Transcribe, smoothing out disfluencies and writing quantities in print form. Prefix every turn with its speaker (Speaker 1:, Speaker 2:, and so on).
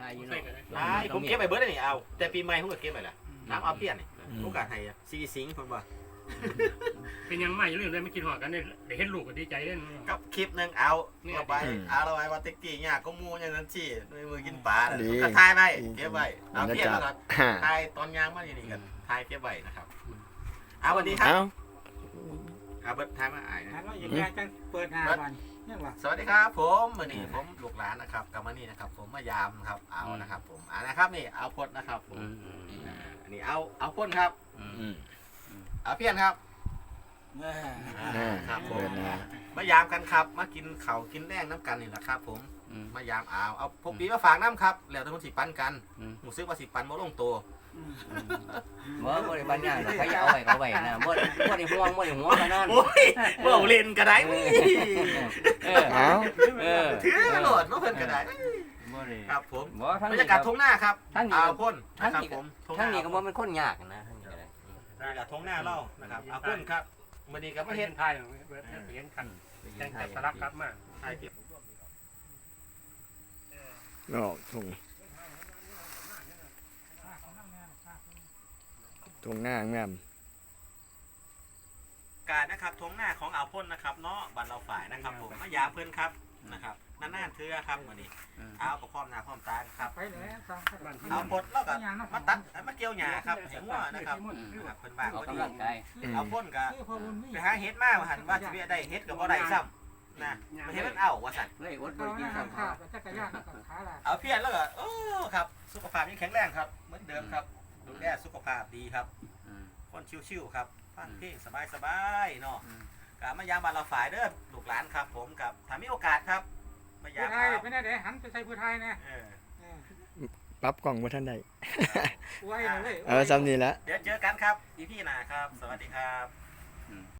Speaker 1: อยู่เนาะ
Speaker 2: ผมเก็บไปเบิร์ดนี่เอาแต่ปีใหม่ผมก็เก็บไปละน้ำเอาเปลี่ยนนี่โอกาสให้ซีสิงคนบ่
Speaker 3: เป็นยังไม่เรื่องเลยไม่กินหอดกันเนี่ยเดี๋ยวเห็นลูกก็ดีใจเล่น
Speaker 2: กับคลิปนึงเอาไปเอาเราไว้ว่าติ๊กกี้เนี่ยก็มูอย่างนั้นสิมือกินปลาก็ทายไปเก็บไว้เอาเปลี่ยนแล้วครับทายตอนยางมาอย่างนี้กันทายเก็บไว้นะครับเอาวันนี้ครับเอาเบิร์ดทายมาอ่านนะ
Speaker 4: แล้วยังไงจะเปิดหาวันนี่วะ
Speaker 2: สวัสดีครับผมวันนี้ผมลูกหลานนะครับกับมานี่นะครับผมมายามครับเอานะครับผมนะครับนี่เอาพดนะครับผมอันนี้เอาพ่นครับเอาเพี้ยนครับครับผมมายามกันครับมากินเข่ากินแรงน้ำกันนี่แหละครับผมมายามเอาพกปีมาฝากน้ำครับแล้วทั้งคนสิปันกันหมูซื้อว่าสิปันบ่ลงตัว
Speaker 1: บ่ได้ปัญญาใครเอาไว้ก็ไว้นะบ่ได้ห่วงกันนั่น
Speaker 2: โอ้ยบ่เล่นก็ได้ ถือโหลดมาเพิ่นก็ได้ครับผมบรรยากาศทุ่งหน้าครับเอาพ่นนะครับผม
Speaker 1: ทั้งนี้ก็บ่เป็นคนยากนะทั้งนี้ก็ได้
Speaker 2: บรรยากาศทุ่งหน้าเล่านะครับเอาพ่นครับมื้อนี้ก็มา
Speaker 3: ไม่
Speaker 2: เฮ็
Speaker 3: เห็
Speaker 2: ด
Speaker 3: นไทยเห็นขันแจ้งจับสลักครับมา
Speaker 2: ถ่ายเก็บ
Speaker 5: ออกทุ่งหน้างาม
Speaker 2: การนะครับทุ่งหน้าของอ่าวพ่นนะครับเนาะบ้านเราฝ่ายนะครับผมมายาเพิ่นครับนะครับนานๆเทื่อครับมื้อนี้เอากับพร้อมหน้าพร้อมตาครับ
Speaker 4: ไปเลยสอง
Speaker 2: เอาพดแล้วก็มาตัดมาเกี่ยวหญ้าครับเห็นว่านะครับเพิ่นบ้าน
Speaker 1: ออก
Speaker 2: พอดี
Speaker 1: กำลังกาย
Speaker 2: เอาพ่นก็ไปหาเฮ็ดมาหันว่าสิได้เฮ็ดก็บ่ได้ซ้ำนะเฮ็ดมันเอาว่าซั่น
Speaker 1: เฮ้ยอดบ่
Speaker 4: เรา
Speaker 1: กิน
Speaker 4: ข้า
Speaker 1: ข้าว
Speaker 4: วจักรยานกับขาละ
Speaker 2: เอาเพี้ยนแล้วก็โอ้ครับสุขภาพยังแข็งแรงครับเหมือนเดิมครับดูแลสุขภาพดีครับคนชิวๆครับฟังเพลงสบายๆเนาะกับมายามบ้านเราฝ่ายเด้อลูกหลานครับผมกับถ้ามีโอกาสครับมายา
Speaker 4: ผู้
Speaker 2: ม
Speaker 4: ไทยไม่ได้เดี๋ยวหันไปใส่ผู้ไทยนะ
Speaker 5: ปรับกล่องมาท่านใด
Speaker 4: ไว้เลย
Speaker 5: ซ้ำนี่ละ
Speaker 2: เดี๋ยวเจอกันครับอีพี่หน้าครับ สวัสดีครับ